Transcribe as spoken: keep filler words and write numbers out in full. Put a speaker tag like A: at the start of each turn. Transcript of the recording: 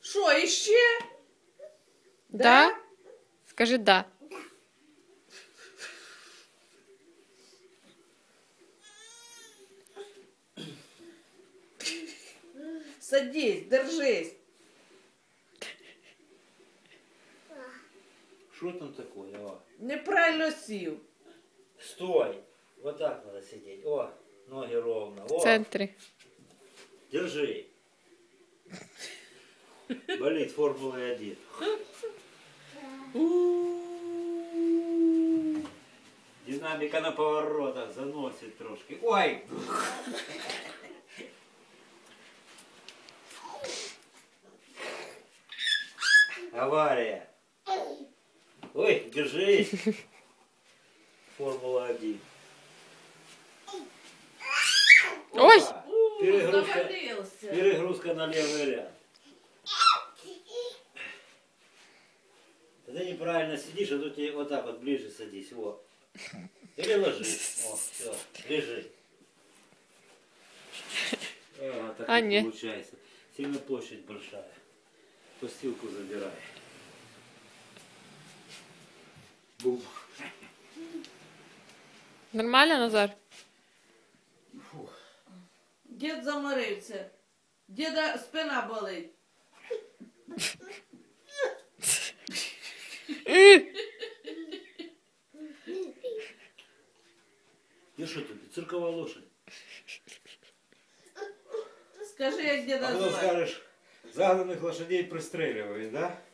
A: Що, іще?
B: Да? Скажи да.
A: Садись, держись.
C: Что там такое? О.
A: Неправильно сів.
C: Стой. Вот так надо сидеть. О, ноги ровно. О,
B: В центре.
C: держи. Болит Формула один. Динамика на поворотах заносит трошки. Ой! Авария. Ой, держись. Формула один.
B: Ой!
C: Опа, Перегрузка,
A: Завалился.
C: перегрузка на левый ряд. Ты неправильно сидишь, а то тебе вот так вот ближе садись. Вот. Или ложись. О, все, лежи. О, вот так
B: А,
C: вот
B: не.
C: получается. Сильно площадь большая. Постилку забирай. Бум.
B: Нормально, Назар?
A: Дід заморився. Діда спина болить.
C: И что тут? Цирковая лошадь.
A: Скажи, як
C: А
A: діда
C: потом
A: звати.
C: скажешь, загнанных лошадей пристреливают, да?